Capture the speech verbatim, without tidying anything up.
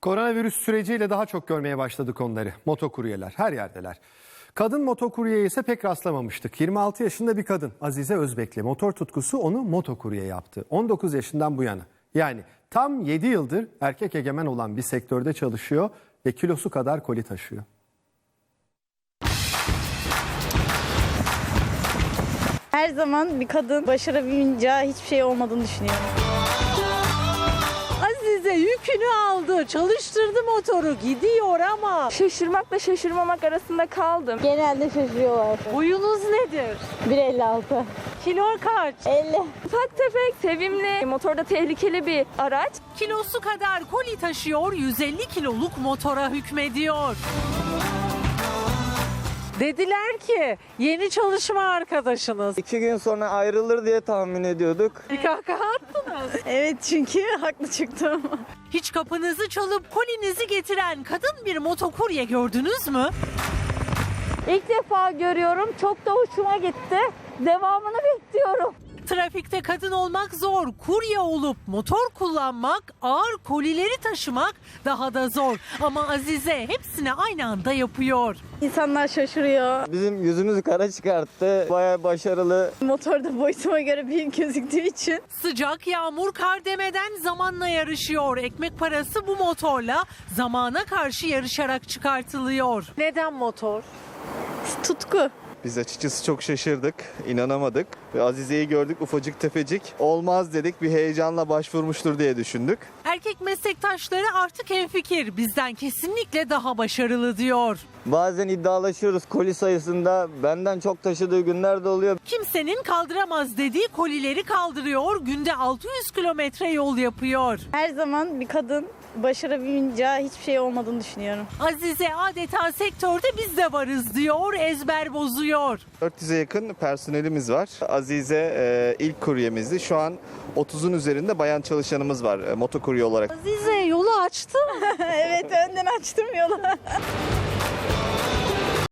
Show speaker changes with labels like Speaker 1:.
Speaker 1: Koronavirüs süreciyle daha çok görmeye başladık onları. Motokuryeler her yerdeler. Kadın motokuryeye ise pek rastlamamıştık. yirmi altı yaşında bir kadın Azize Özbekli. Motor tutkusu onu motokurye yaptı. on dokuz yaşından bu yana. Yani tam yedi yıldır erkek egemen olan bir sektörde çalışıyor ve kilosu kadar koli taşıyor.
Speaker 2: Her zaman bir kadın başaramayınca hiçbir şey olmadığını düşünüyorum.
Speaker 3: Azize yükünü aldı, çalıştırdı motoru, gidiyor ama
Speaker 4: Şaşırmakla şaşırmamak arasında kaldım.
Speaker 2: Genelde şaşırıyorlar.
Speaker 3: boyunuz nedir?
Speaker 2: bir elli altı.
Speaker 3: Kilo kaç?
Speaker 2: elli.
Speaker 4: Ufak tefek, sevimli, motorda tehlikeli bir araç.
Speaker 3: Kilosu kadar koli taşıyor, yüz elli kiloluk motora hükmediyor. Dediler ki yeni çalışma arkadaşınız.
Speaker 5: İki gün sonra ayrılır diye tahmin ediyorduk.
Speaker 3: Bir kahkaha attınız.
Speaker 2: Evet, çünkü haklı çıktım.
Speaker 3: Hiç kapınızı çalıp kolinizi getiren kadın bir motokurye gördünüz mü?
Speaker 2: İlk defa görüyorum. Çok da hoşuma gitti. Devamını bekliyorum.
Speaker 3: Trafikte kadın olmak zor, kurye olup motor kullanmak, ağır kolileri taşımak daha da zor. Ama Azize hepsini aynı anda yapıyor.
Speaker 2: İnsanlar şaşırıyor.
Speaker 5: Bizim yüzümüzü kara çıkarttı. Bayağı başarılı.
Speaker 2: Motorda boyutuma göre büyük gözüktüğü için.
Speaker 3: Sıcak, yağmur, kar demeden zamanla yarışıyor. Ekmek parası bu motorla zamana karşı yarışarak çıkartılıyor. Neden motor?
Speaker 2: Tutku.
Speaker 6: Biz açıkçası çok şaşırdık, inanamadık. Ve Azize'yi gördük ufacık tefecik. Olmaz dedik, bir heyecanla başvurmuştur diye düşündük.
Speaker 3: Erkek meslektaşları artık hemfikir. Bizden kesinlikle daha başarılı diyor.
Speaker 5: Bazen iddialaşıyoruz koli sayısında. Benden çok taşıdığı günler de oluyor.
Speaker 3: Kimsenin kaldıramaz dediği kolileri kaldırıyor. Günde altı yüz kilometre yol yapıyor.
Speaker 2: Her zaman bir kadın başaramayınca hiçbir şey olmadığını düşünüyorum.
Speaker 3: Azize adeta sektörde biz de varız diyor, ezber bozuyor.
Speaker 6: dört yüze yakın personelimiz var. Azize e, ilk kuryemizdi. Şu an otuzun üzerinde bayan çalışanımız var e, motokurye olarak.
Speaker 3: Azize yolu açtı mı?
Speaker 2: Evet, önden açtım yolu.